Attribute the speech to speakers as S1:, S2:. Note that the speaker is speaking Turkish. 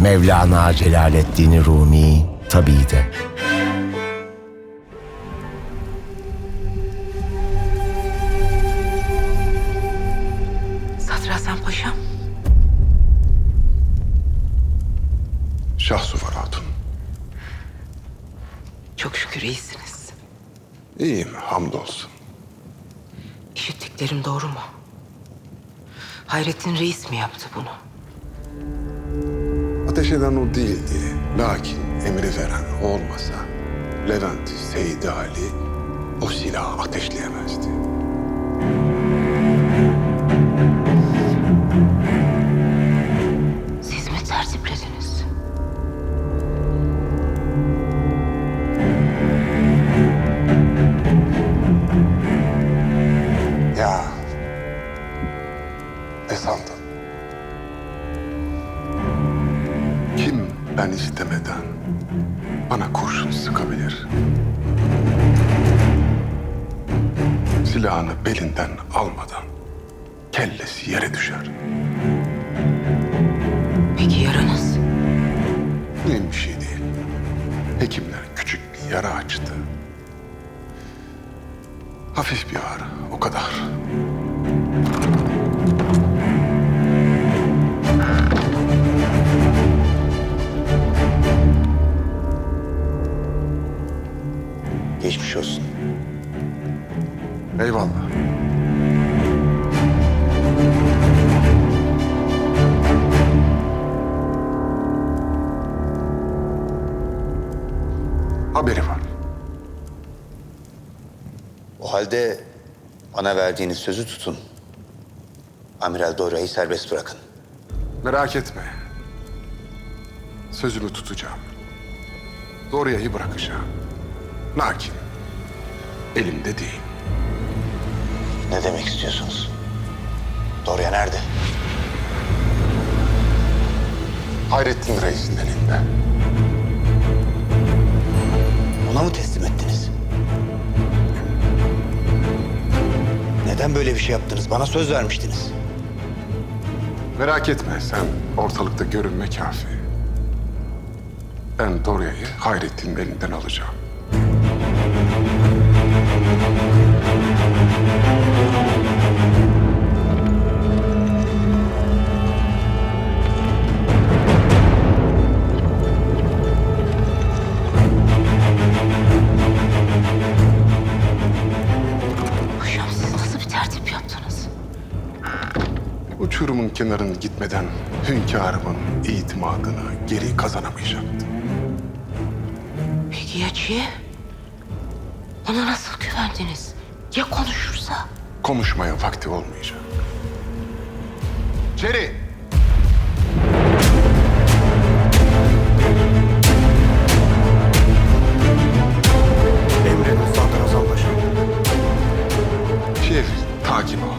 S1: Mevlana Celaleddin Rumi tabii de.
S2: Sadrazam Paşam.
S3: Şahsuvar Hatun.
S2: Çok şükür iyisiniz.
S3: İyiyim, hamdolsun.
S2: İşittiklerim doğru mu? Hayrettin Reis mi yaptı bunu?
S3: Ateş eden o değildi. Lakin emri veren o olmasa Levent Seydi Ali o silahı ateşleyemezdi.
S2: Siz mi tertiplediniz?
S3: Ya ne sandın? Kim ben istemeden bana kurşun sıkabilir? Silahını belinden almadan kellesi yere düşer.
S2: Peki yaranız?
S3: Mühim bir şey değil. Hekimler küçük bir yara açtı. Hafif bir ağrı, o kadar.
S4: Geçmiş olsun.
S3: Eyvallah. Haberi var.
S4: O halde bana verdiğiniz sözü tutun. Amiral Dorya'yı serbest bırakın.
S3: Merak etme. Sözümü tutacağım. Dorya'yı bırakacağım. Lakin elimde değil.
S4: Ne demek istiyorsunuz? Dorya nerede?
S3: Hayrettin Reis'in elinde.
S4: Ona mı teslim ettiniz? Neden böyle bir şey yaptınız? Bana söz vermiştiniz.
S3: Merak etme, sen ortalıkta görünme kafi. Ben Dorya'yı Hayrettin'in elinden alacağım.
S2: Paşam siz nasıl bir tertip yaptınız?
S3: Uçurumun kenarını gitmeden hünkârımın itimadını geri kazanamayacaktı.
S2: Peki ya Çiğ? Ona nasıl güvendiniz? Ya konuşursa?
S3: Konuşmaya vakti olmayacak. Çeri!
S5: Emredin Sadrazam Paşam.
S3: Şef, takip ol.